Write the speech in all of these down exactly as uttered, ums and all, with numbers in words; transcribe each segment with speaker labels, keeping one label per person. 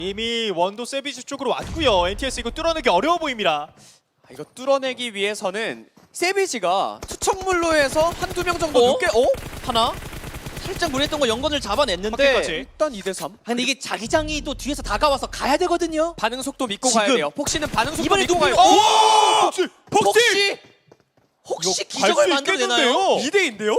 Speaker 1: 이미 원도 세비지 쪽으로 왔고요. 엔티에스 이거 뚫어내기 어려워 보입니다.
Speaker 2: 이거 뚫어내기 위해서는 세비지가 투척물로 해서 한두 명 정도
Speaker 3: 어?
Speaker 2: 늦게 어?
Speaker 3: 하나 살짝 무리했던 거 연건을 잡아냈는데
Speaker 1: 확실까지.
Speaker 2: 일단 이 대 삼.
Speaker 3: 아, 근데 이게 자기장이 또 뒤에서 다가와서 가야 되거든요.
Speaker 2: 반응 속도 믿고
Speaker 3: 지금.
Speaker 2: 가야 돼요. 폭시는 반응 속도
Speaker 3: 이번에
Speaker 2: 믿고
Speaker 3: 눈빛-
Speaker 2: 가요.
Speaker 3: 오!
Speaker 1: 폭시!
Speaker 3: 혹시 혹시 기적을 만들어내나요?
Speaker 2: 이 대인데요?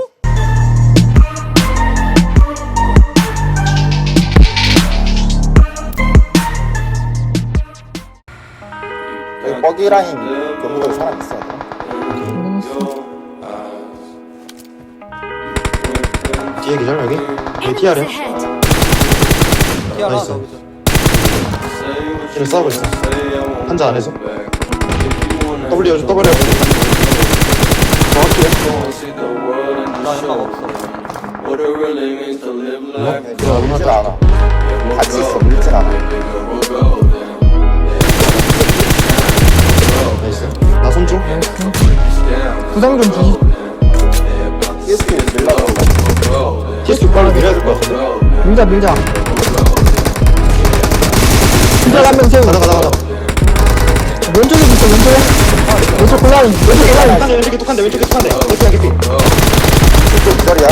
Speaker 4: 여기 버기 라인 경로에 사람 있어야 돼.
Speaker 5: 뒤에 기절 여기? 여기 티알이야? 나이스 얘를 싸우고 있어 한자 안에서 W 여주 W 여주 정확히 해
Speaker 4: 나 연락 없어. 이거 밀질 않아. 같이 있어, 밀질 않아.
Speaker 5: 나이스 나 손줘
Speaker 6: 부상 좀 주시.
Speaker 4: 티에스피 밀라고.
Speaker 5: 티에스 빨리 밀어야 될 것 같은데
Speaker 6: 밀자 밀자. 진짜 한명 세우.
Speaker 5: 가자 가자 가자
Speaker 6: 왼쪽에 있어 왼쪽에. 왼쪽 골라인. 왼쪽 골라인.
Speaker 5: 왼쪽에 왼쪽에 툭한대 왼쪽에 툭한대 개피야 개피
Speaker 4: 이쪽 기절이야.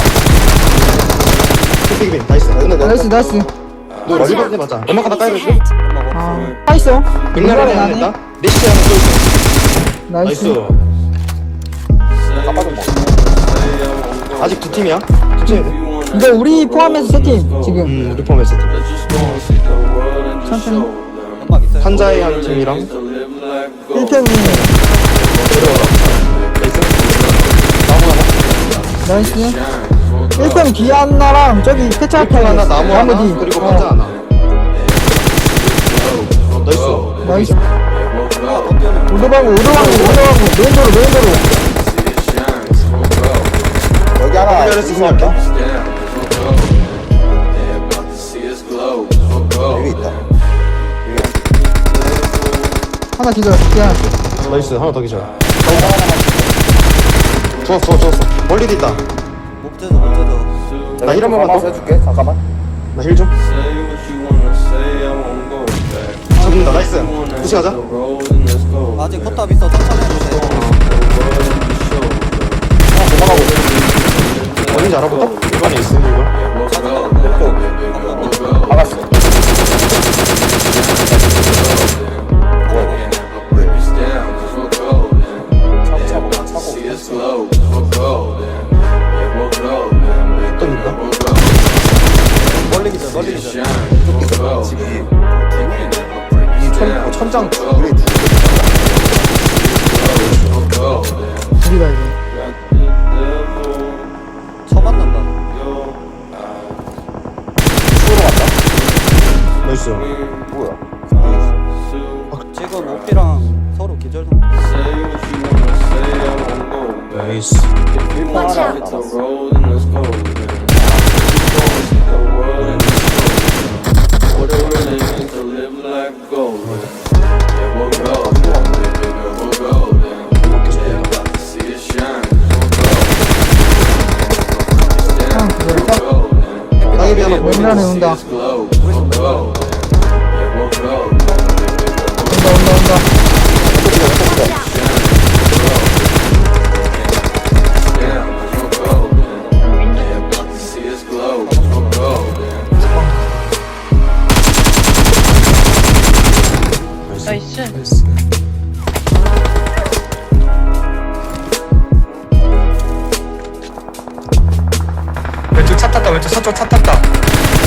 Speaker 5: 개피 개피 나이스
Speaker 4: 근데 내
Speaker 6: 나이스 나이스.
Speaker 5: 너 멀리서 맞아 연막 하나 까야 되지?
Speaker 6: 아, 다 있어.
Speaker 5: 백날에 하나 했다 리시트 하나 또 있어
Speaker 6: 나이스.
Speaker 5: 나이스
Speaker 4: 깜빡이 먹어.
Speaker 5: 아직 두 팀이야? 두 팀이야 돼?
Speaker 6: 이거 우리 포함해서 세 팀 지금.
Speaker 5: 음 우리 포함했어
Speaker 6: 천천히.
Speaker 5: 한자의 한 팀이랑
Speaker 6: 일 편
Speaker 5: 나이스 나무 하나
Speaker 6: 나이스. 일 편 뒤에 하나랑 저기 패치 앞에
Speaker 5: 편 하나 나무 하나
Speaker 6: 뒤.
Speaker 5: 그리고
Speaker 6: 어,
Speaker 5: 한자 하나 나이스
Speaker 6: 나이스. 오도방구 오도방구 오도방구 메인도로 메인도로.
Speaker 4: 여기 하나
Speaker 5: W S 승리할게
Speaker 4: 여기 있다.
Speaker 6: 하나 기절. 그냥
Speaker 5: 나이스 하나 더 기절 좋았어 좋았어 멀리도 있다 나 힐 한 번만 더?
Speaker 4: 해줄게. 잠깐만.
Speaker 5: 나 힐 좀 잡는다 나이스 푸시 가자
Speaker 7: 아직 포탑 있어. 천천히 해주세요.
Speaker 4: 도망가고 있어.
Speaker 5: 어딘지 알아볼까? 일반에 있어 이거
Speaker 4: 막았어. 차고 차고.
Speaker 5: 또 있다
Speaker 4: 멀리 기절 멀리 기절. 이 천, 어, 천장 위에 두
Speaker 6: 둘이다 이거.
Speaker 7: 처맞는다.
Speaker 4: 추우러 갔다.
Speaker 5: 나이스
Speaker 4: 뭐야?
Speaker 7: 지금 오피랑 서로 기절 상태.
Speaker 5: 나이스
Speaker 4: 일본 하나 남았어.
Speaker 5: 땅에 비 하나 보이네
Speaker 6: 맨날에 온다. 온다 온다 온다.
Speaker 5: 나이스 나이스 왼쪽 차 탔다 왼쪽 서쪽 차 탔다